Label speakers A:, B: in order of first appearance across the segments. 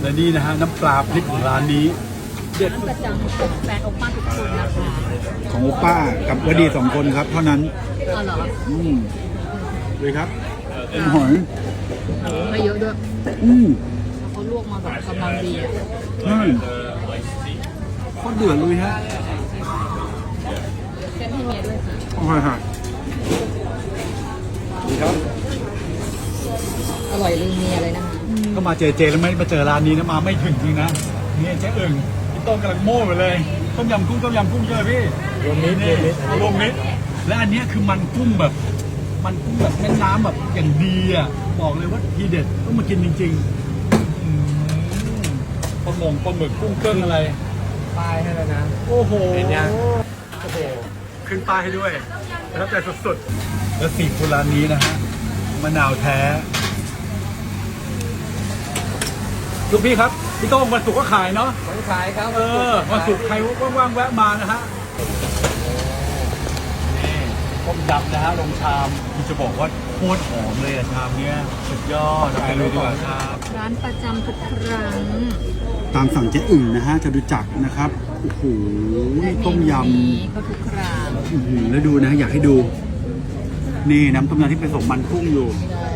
A: และนี่นะฮะน้ำปลาพริกของร้านนี้เด็ด
B: ร้านประจำของแฟนโอป้าทุกคนนะคะ
A: ของโอป้ากับวดี2 คนครับเท่านั้น
B: อ๋อเหรอ
A: เลยครับเป็นหอย
B: ไม่เยอะด้วย เขาลวกมาแบบกำลังดีอ่ะ
A: ใช่โคตรเดือดเลยฮะ
B: เส้นให้เมียด้วยค่ะ
A: โอเคค่ะดีครับ
B: อร่อยลืมเมียเลยนะคะ
A: ก็มาเจแล้วไม่มาเจอร้านนี้นะมาไม่ถึงจริงนะนี่เจ๊อึ่งพี่โต้งกำลังโม่ไปเลยต้มยำกุ้งใช่ไหมพี่รวมมิตรรวมมิตรและอันเนี้ยคือมันกุ้งแบบแม่น้ำแบบอย่างดีอ่ะบอกเลยว่าทีเด็ดต้องมากินจริงๆปลาหมึกกุ้งเครื่องอะไร
C: ป้ายให้แล้วนะ
A: โอ้โห
C: เห็นยัง
A: โอ้โหขึ้นป้ายให้ด้วยประทับใจสุดๆและซีฟู้ดร้านนี้นะฮะมะนาวแท้ลูกพี่ครับพี่โต้งวันศุกร์ก็ขายเนาะ
C: วันขายครับ
A: วันศุกร์ใครว่างๆแวะมานะฮะนี่ต้มยำนะฮะลงชามที่จะบอกว่าโคตรหอมเลยอะชามเนี้ยสุดยอดไปเลยดีกว่าครับ
B: ร้านประจำทุกครั้ง
A: ตามสั่งเจ๊อึ่งนะฮะจะดูจักรนะครับโอ้โหต้มย
B: นี้ก็ทุกครั้ง
A: ำแล้วดูนะอยากให้ดู นี่น้ำต้มยำที่ผสมมันกุ้งอยู่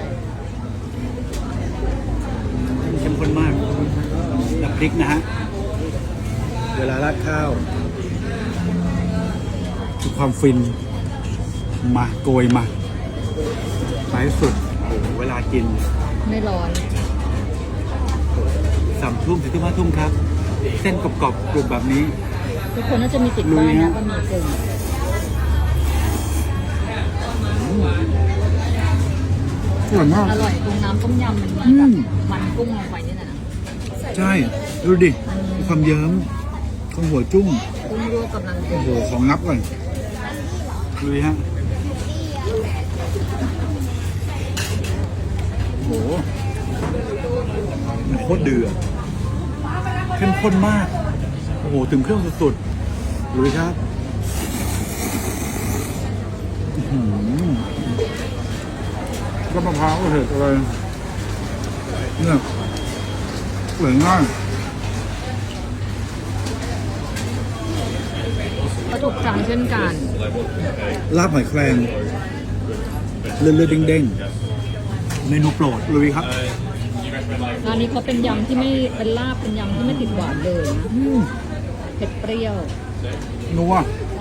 A: เข้มข้นมากกับพริกนะฮะเวลาราดข้าวคือความฟินมาโกยมาไปให้สุดโอ้โหเวลากิน
B: ไม่ร้อน
A: 3 ทุ่มถึง5 ทุ่มครับ เส้นกรอบๆกรุบแบบนี้
B: ทุกคนน่าจะมีติดป้ายนะบะหมี่กึ่ง
A: อร่อยมาก
B: อร่อยตรงน้ำต้มยำมันมีแบบมันกุ้งลงไปนี่นะ
A: ใช่ดูดิมีความเยิ้มของหัวจุ้ง
B: กุ้งลวกกำลังดี
A: โอ้โหของงับก่อนดูดิฮะโอ้โหมันโคตรเดือดเข้มข้นมากโอ้โหถึงเครื่องสุดๆดูดิครับอื้อหือก็มะพร้าวเห็ดอะไรเนี่ยสวยง่าย
B: ก็ถูกจังเช่นกัน
A: ลาบหอยแครงเลือดเด้งๆเมนูโปรดลุยครับ
B: ร้านนี้เขาเป็นยำที่ไม่เป็นลาบเป็นยำที่ไม่ติดหวานเลยนะเผ็ดเปรี้ยว
A: นัว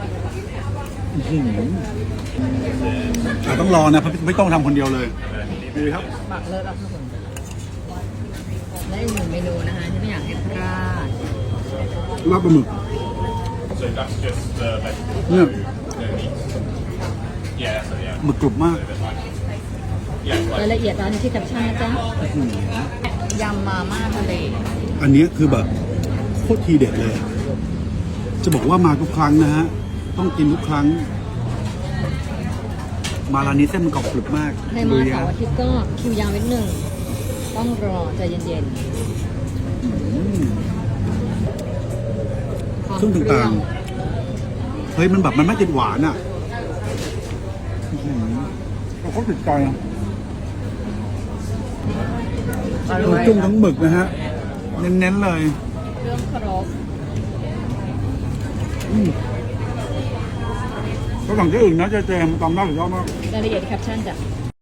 A: ต้องรอนะไม่ต้องทำคนเดียวเลยดีครับ
B: บักเลิศแล้วครับผมและอีกหนึ่งเมนูนะคะที่ไม่อยากให้พลาด
A: ลาบปลาหมึกเนี่ยหมึกกรุบมาก
B: รายละเอียดร้านที่แคปชั่นนะจ๊ะยำมาม่าทะเล
A: อันนี้คือแบบโคตรทีเด็ดเลย จะบอกว่ามาทุกครั้งนะฮะต้องกินทุกครั้ง มาร้านนี้เส้นมันกรอบกรุบมาก
B: ใครมาเสาร์อาทิตย์ก็คิวยาวนิดหนึ่งต้องรอใจเย็นๆ
A: ซึ่งต่างๆเฮ้ยมันแบบมันไม่ติดหวานอ่ะเราก็ติดใจทั้งจุ้งทั้งหมึกนะฮะเน้นๆเลย
B: เครื่องครบ
A: ก็หลังที่อื่นนะเจมตำได้สุดยอดมาก
B: รายละเอียดแคปชั่นจ้ะ